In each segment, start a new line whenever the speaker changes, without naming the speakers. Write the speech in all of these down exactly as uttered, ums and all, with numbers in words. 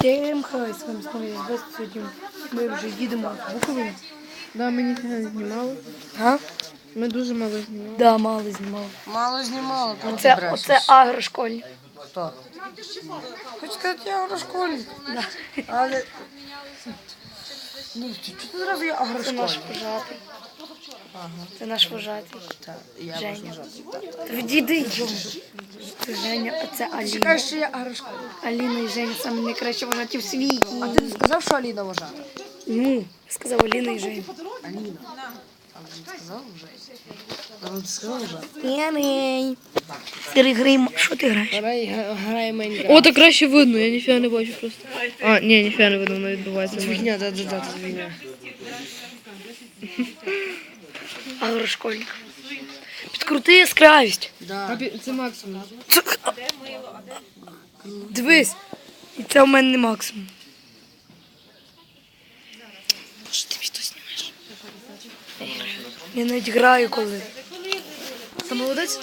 Всім хай, з вами знову я Збес. Сьогодні ми вже їдемо в Буковину.
Да, ми ніфіга не знімали.
А?
Ми дуже мало знімали.
Да, мало знімали.
Мало знімала, тому
Оце,
ти брешеш.
оце агрошкольник.
Хто? Хоч сказати, я агрошкольник.
Да.
Але... Ну, чого ти зразу я
Це
агрошкольник?
наш вожатий.
Ага.
Це наш вожатий.
Так, я
Женя.
можу жати.
Відійди. Це Женя, а це Аліна.
Чекай, що я агрошкольник.
Аліна і Женя саме найкращі вожаті в світі.
А ти не сказав, що Аліна вважата?
Ну, сказав Аліна і Женя.
Аліна. А він сказав вже? А він сказав вже?
Ємей. Сирий грим, що ти граєш?
Грає Майнкрафт.
О, так краще видно, я ніфіга не бачу просто. А, ні, ніфіга не видно, воно відбувається.
Це фігня, да, да, да, це фігня.
Агрошкольник. Підкрути яскравість.
Да.
Це максимум.
Дивись. І це в мене не максимум. Що ти відео знімаєш? Я навіть граю коли. Ти молодець?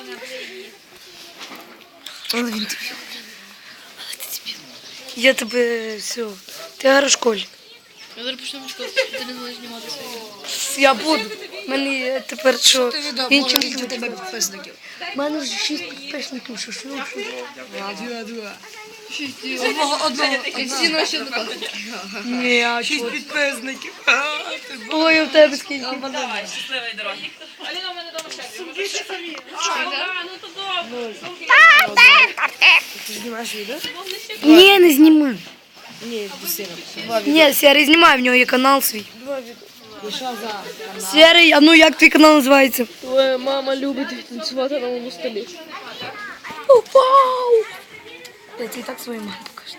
Але він тобі. Але ти тобі. Я тебе все. Ти агрошкольник.
Я зараз почнемо чекати, ти не зможеш знімати свої.
Я буду. У мене є тепер що.
Ти відео,
Іншим
може,
людям
у тебе
треба.
підписників.
У мене вже шість підписників, що що.
Два, два.
Одного, одного. І всі наші однокласники.
Ні, а
Шість
чого?
підписників.
Ой, у тебе скільки.
Давай, щасливої дороги. Аліна, у мене дома ще. А, ну то добре.
Ти знімаєш відео?
Ні, не знімай.
Ні, до сина. Два
Ні, Сірий знімай, в нього є канал свій.
І що за канал?
Сірий, а ну як твій канал називається?
Твоя мама любить танцювати на моєму столі.
Вау! Я тебе і так своїй мамі покажу.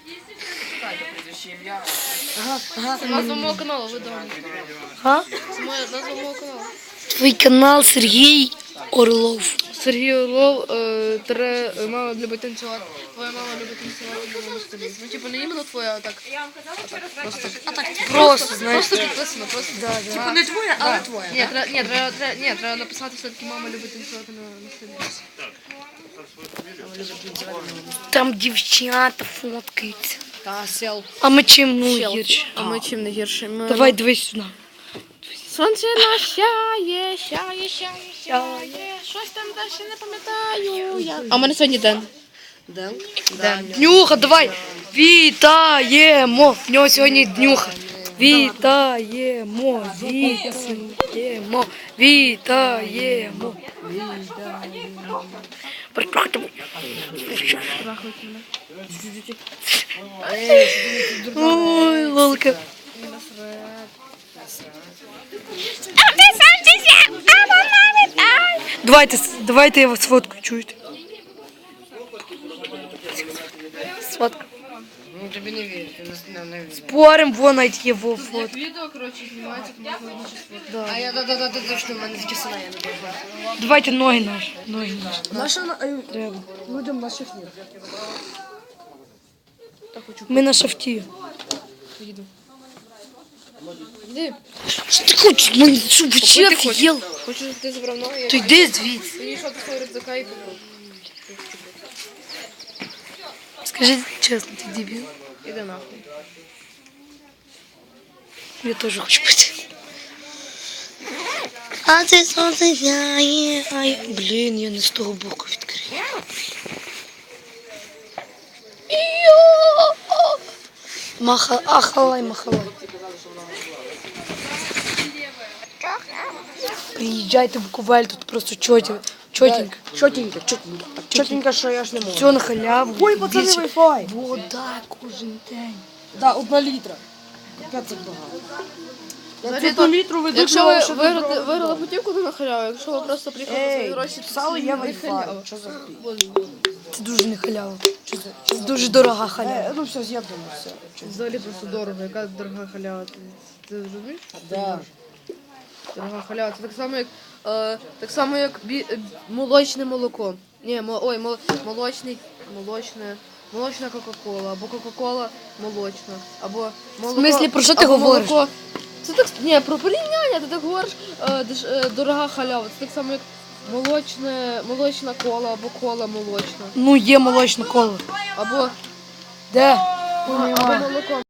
Ага, ага.
Це назва мого каналу, ви дома.
А?
Це моя назва мого каналу.
Твій канал Сергій Орлов.
Сергій Орлов, е, тире, е, мама любить танцювати. Твоя мама любить танцювати на моєму столі. Ну, типу, не іменно твоя, а так. Просто, а так,
Просто, знаєш.
просто підписано, просто.
Да, да.
Типу не твоя, але твоя.
Ні, треба, ні, треба, треба, ні, треба написати все-таки мама любить танцювати на, на столі.
Там дівчата фоткаються.
Та сел.
А ми чим ну гірше?
А ми чим не гірше? Ми...
Давай дивись сюди.
Сонце насяє, сяє, сяє, сяє. Щось там далі не пам'ятаю. Я... А в мене сьогодні день.
Ден?
День.
Днюха, давай. Вітаємо. В нього сьогодні днюха. Вітаємо, вітаємо, вітаємо. Приходимо. Ой, лолка. Давайте, давайте я вас сфоткаю, чуєте? Сфоткаю.
Ну тобі не вірю, ти не, не вірю.
Спорим, вон навіть є во фото.
Відео, коротше, знімається, можна одну
А я да-да-да, точно, в мене такі сина, я не бачу.
Давайте ноги наші. Ноги наші.
Наша,
Треба.
людям наших ні.
Ми на шафті.
Іди.
Що ти хочеш? Ми що, вообще офігел?
Хочу, щоб ти забрав ноги,
То
я
йди звідси.
підійшов до свого рюкзака і купив.
Скажи чесно, ти дебіл?
Іди нахуй.
Я теж хочу пити. А це сонце сяє, а я... Блін, я не з того боку відкрию. Йо! Маха... Ахалай, махалай. Приїжджайте в Буковель, тут просто чотенько. Чотенько.
Чотенько, чотенько. Так чотенько, що я ж не можу.
Все на халяву.
Ой, пацани,
Більше-
Wi-Fi.
Вода кожен день.
Да, одна літра. Капець це багато. Я
Взагалі,
одну
то,
літру веду,
Якщо ви
що
виграли, виграли путівку, то на халяву. Якщо ви просто приїхали за свої
Ей,
гроші, то
писали,
це
є
не
Wi-Fi.
халява.
Що за хуй?
Це дуже не халява.
Що за...
Це дуже дорога халява.
Е, ну все, з'єднано, все.
Взагалі просто дорого. Яка дорога халява? Ти, ти розумієш?
Да.
Дорога халява. Це так само, як, е, так само, як бі, е, молочне молоко. Ні, мо, ой, мол, молочний, молочне, молочна Кока-Кола, або Кока-Кола молочна, або молоко.
В смислі, про що ти
або
говориш?
молоко. Це так, ні, про порівняння, ти так говориш, е, деш, е, дорога халява. Це так само, як молочне, молочна кола, або кола молочна,
Ну, є молочне коло.
або
Де?
Або молоко.